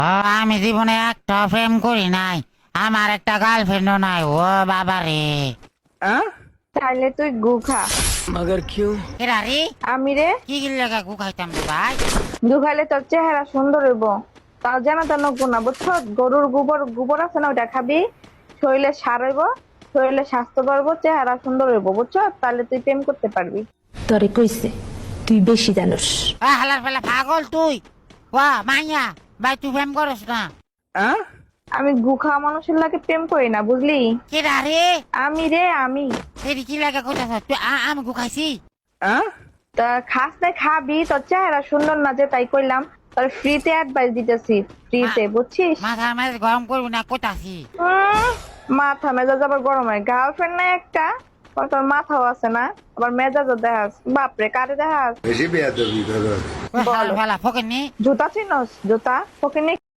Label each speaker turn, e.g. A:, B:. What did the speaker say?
A: আমি জীবনে একটা প্রেম করি নাই, আমার একটা গার্লফ্রেন্ডও নাই। ও বাবা রে।
B: তাইলে তুই গু খা।
C: मगर क्यों?
A: এরা রে,
B: আমি রে,
A: কি লেখা গু খাইতাম রে ভাই?
B: গু খাইলে তোর চেহারা সুন্দর হইব। তাও যেন তেন গুণা বুঝছো, গরুর গোবর গোবর আছে না, ওইটা খাবি, শরীরে সার হইব, শরীরে স্বাস্থ্য বাড়বো, চেহারা সুন্দর হইব বুঝছো, তাহলে তুই প্রেম করতে পারবি।
D: তরে কইছে তুই বেশি জানোস।
A: হালার ফেলা পাগল তুই। মাইয়া ভাই, তুই প্রেম করস না?
B: আমি গু খাওয়া মানুষের লাগে প্রেম করি না, বুঝলি?
A: কেডা রে?
B: আমি রে, আমি।
A: এটি কি লেখা কইতাছ তুই? আমি গু খাইছি?
B: তা খাস না, খাবি, তোর চেহারা সুন্দর না যে তাই কইলাম। তোর ফ্রিতে অ্যাডভাইস দিতেছি, ফ্রিতে, বুঝছিস?
A: মাথা মেজ গরম করবি না কইতাছি।
B: মাথা মেজাজ আবার গরম হয়। গার্লফ্রেন্ড না একটা, তোর মাথাও আছে না, আবার মেজাজও দেখাস। বাপরে, কারে দেখাস?
E: বেশি বেয়াদবি দাদা।
A: হালার ফেলা ফকেনি।
B: জুতা চিনস? জুতা ফকিনি